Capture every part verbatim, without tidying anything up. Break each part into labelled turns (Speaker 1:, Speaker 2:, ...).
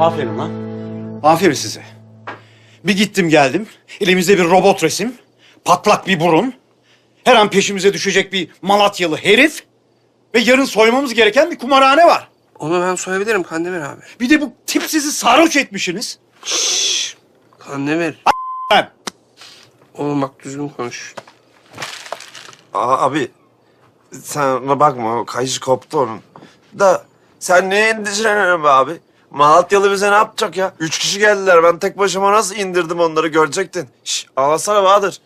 Speaker 1: Aferin lan. Aferin size. Bir gittim geldim. Elimizde bir robot resim. Patlak bir burun. Her an peşimize düşecek bir Malatyalı herif. Ve yarın soymamız gereken bir kumarhane var.
Speaker 2: Onu ben soyabilirim Kandemir abi.
Speaker 1: Bir de bu tip sizi sarhoş etmişsiniz.
Speaker 2: Kandemir.
Speaker 1: Ben.
Speaker 2: Oğlum bak düzgün konuş.
Speaker 3: Aa, abi sen ona bakma, o kayışı koptu onun. Da sen neye endişeleniyorsun be abi? Malatyalı bize ne yapacak ya? Üç kişi geldiler, ben tek başıma nasıl indirdim onları görecektin. Şş, ağlasana Bahadır.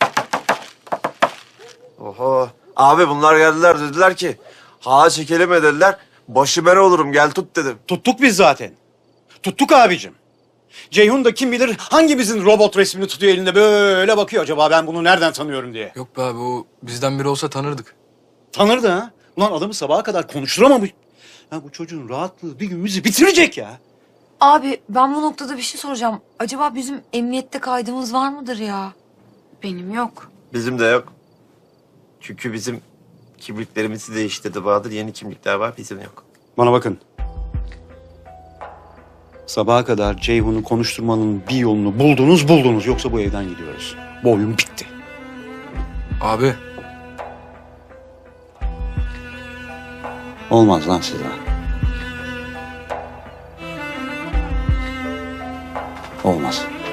Speaker 3: Oho. Abi bunlar geldiler, dediler ki ha çekelim mi dediler. Başı ben olurum, gel tut dedim.
Speaker 1: Tuttuk biz zaten. Tuttuk abicim. Ceyhun da kim bilir hangimizin robot resmini tutuyor elinde böyle bakıyor. Acaba ben bunu nereden tanıyorum diye.
Speaker 4: Yok be abi, o bizden biri olsa tanırdık.
Speaker 1: Tanırdı ha. Ulan adamı sabaha kadar konuşturamamış. Ya bu çocuğun rahatlığı bir gün bizi bitirecek ya.
Speaker 5: Abi ben bu noktada bir şey soracağım. Acaba bizim emniyette kaydımız var mıdır ya?
Speaker 6: Benim yok.
Speaker 3: Bizim de yok. Çünkü bizim kimliklerimizi değiştirdi Bahadır. Yeni kimlikler var, bizim yok.
Speaker 1: Bana bakın. Sabaha kadar Ceyhun'u konuşturmanın bir yolunu buldunuz buldunuz. Yoksa bu evden gidiyoruz. Bu oyun bitti.
Speaker 4: Abi
Speaker 1: Olmaz lan size. Olmaz.